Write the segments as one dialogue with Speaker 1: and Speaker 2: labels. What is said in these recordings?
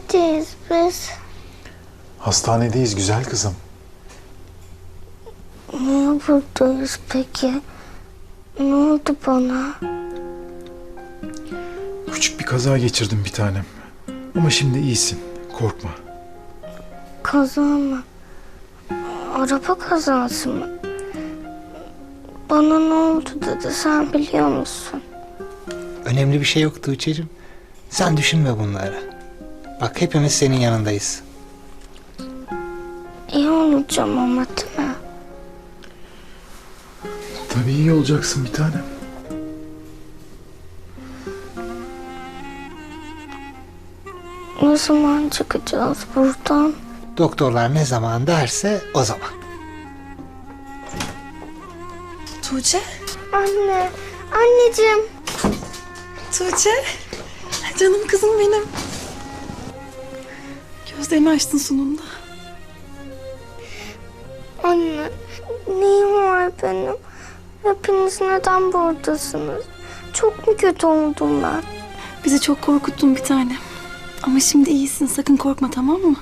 Speaker 1: Neredeyiz biz?
Speaker 2: Hastanedeyiz güzel kızım.
Speaker 1: Niye buradayız peki? Ne oldu bana?
Speaker 2: Küçük bir kaza geçirdim bir tanem. Ama şimdi iyisin. Korkma.
Speaker 1: Kaza mı? Araba kazası mı? Bana ne oldu dedi, sen biliyor musun?
Speaker 3: Önemli bir şey yok Tuğçe'cim. Sen düşünme bunları. Bak hepimiz senin yanındayız.
Speaker 1: İyi olacağım ama değil mi?
Speaker 2: Tabii iyi olacaksın bir tanem.
Speaker 1: Ne zaman çıkacağız buradan?
Speaker 3: Doktorlar ne zaman derse o zaman.
Speaker 4: Tuğçe,
Speaker 1: Anne, anneciğim.
Speaker 4: Tuğçe. Canım kızım benim. Gözlerini açtın sonunda.
Speaker 1: Anne, neyim var benim? Hepiniz neden buradasınız? Çok mu kötü oldum ben?
Speaker 4: Bizi çok korkuttun bir tane. Ama şimdi iyisin, sakın korkma, tamam mı?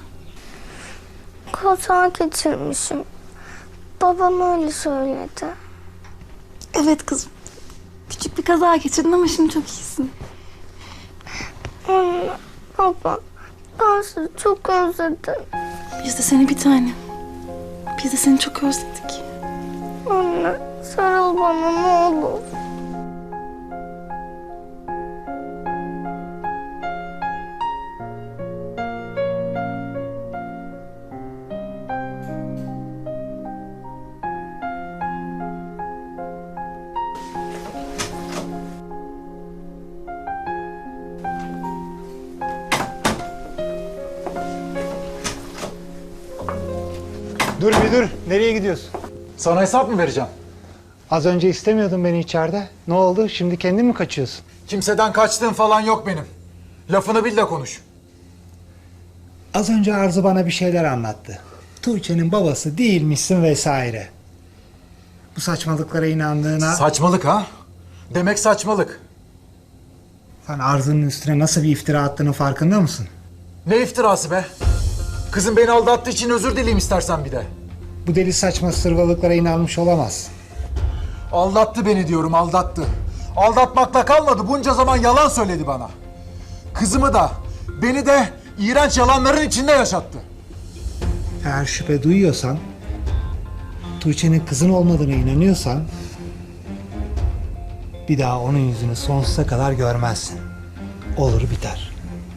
Speaker 1: Kaza geçirmişim. Babam öyle söyledi.
Speaker 4: Evet kızım. Küçük bir kaza geçirdin ama şimdi çok iyisin.
Speaker 1: Anne, baba, ben sizi çok özledim.
Speaker 4: Biz de seni bir tane. Biz de seni çok özledik.
Speaker 1: Anne, sarıl bana ne olur.
Speaker 3: Dur bir dur. Nereye gidiyorsun?
Speaker 2: Sana hesap mı vereceğim?
Speaker 3: Az önce istemiyordun beni içeride. Ne oldu? Şimdi kendin mi kaçıyorsun?
Speaker 2: Kimseden kaçtığım falan yok benim. Lafını bil de konuş.
Speaker 3: Az önce Arzu bana bir şeyler anlattı. Tuğçe'nin babası değilmişsin vesaire. Bu saçmalıklara inandığına...
Speaker 2: Saçmalık ha? Demek saçmalık.
Speaker 3: Sen Arzu'nun üstüne nasıl bir iftira attığının farkında mısın?
Speaker 2: Ne iftirası be? Kızım beni aldattığı için özür dileyim istersen bir de.
Speaker 3: Bu deli saçma sırvalıklara inanmış olamaz.
Speaker 2: Aldattı beni diyorum, aldattı. Aldatmakla kalmadı, bunca zaman yalan söyledi bana. Kızımı da, beni de iğrenç yalanların içinde yaşattı.
Speaker 3: Eğer şüphe duyuyorsan, Tuğçe'nin kızın olmadığına inanıyorsan... ...bir daha onun yüzünü sonsuza kadar görmezsin. Olur biter.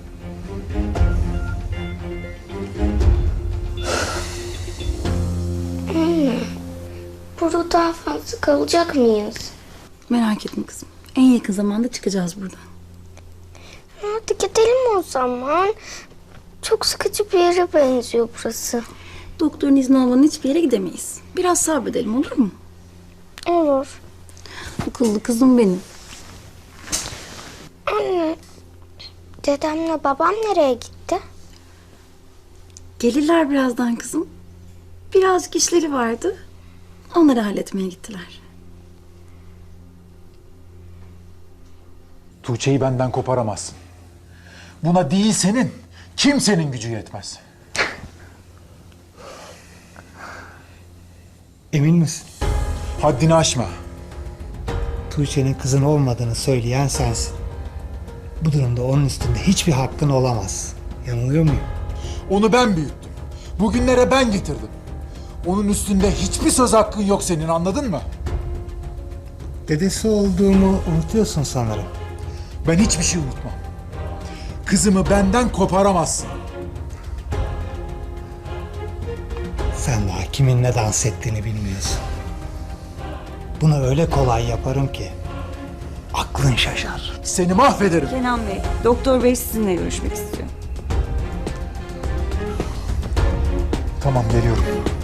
Speaker 1: Burada daha fazla kalacak mıyız?
Speaker 4: Merak etme kızım. En yakın zamanda çıkacağız buradan.
Speaker 1: Hadi gidelim o zaman. Çok sıkıcı bir yere benziyor burası.
Speaker 4: Doktorun izni olmadan hiçbir yere gidemeyiz. Biraz sabredelim, olur mu?
Speaker 1: Olur.
Speaker 4: Akıllı kızım benim.
Speaker 1: Anne, dedemle babam nereye gitti?
Speaker 4: Gelirler birazdan kızım. Birazcık işleri vardı. Onları halletmeye gittiler.
Speaker 2: Tuğçe'yi benden koparamazsın. Buna değil senin, kimsenin gücü yetmez.
Speaker 3: Emin misin?
Speaker 2: Haddini aşma.
Speaker 3: Tuğçe'nin kızın olmadığını söyleyen sensin. Bu durumda onun üstünde hiçbir hakkın olamaz. Yanılıyor muyum?
Speaker 2: Onu ben büyüttüm. Bugünlere ben getirdim. Onun üstünde hiçbir söz hakkın yok senin, anladın mı?
Speaker 3: Dedesi olduğumu unutuyorsun sanırım.
Speaker 2: Ben hiçbir şey unutmam. Kızımı benden koparamazsın.
Speaker 3: Sen daha kiminle dans ettiğini bilmiyorsun. Bunu öyle kolay yaparım ki aklın şaşar.
Speaker 2: Seni mahvederim.
Speaker 5: Kenan Bey, Doktor Bey sizinle görüşmek istiyor.
Speaker 2: Tamam, geliyorum.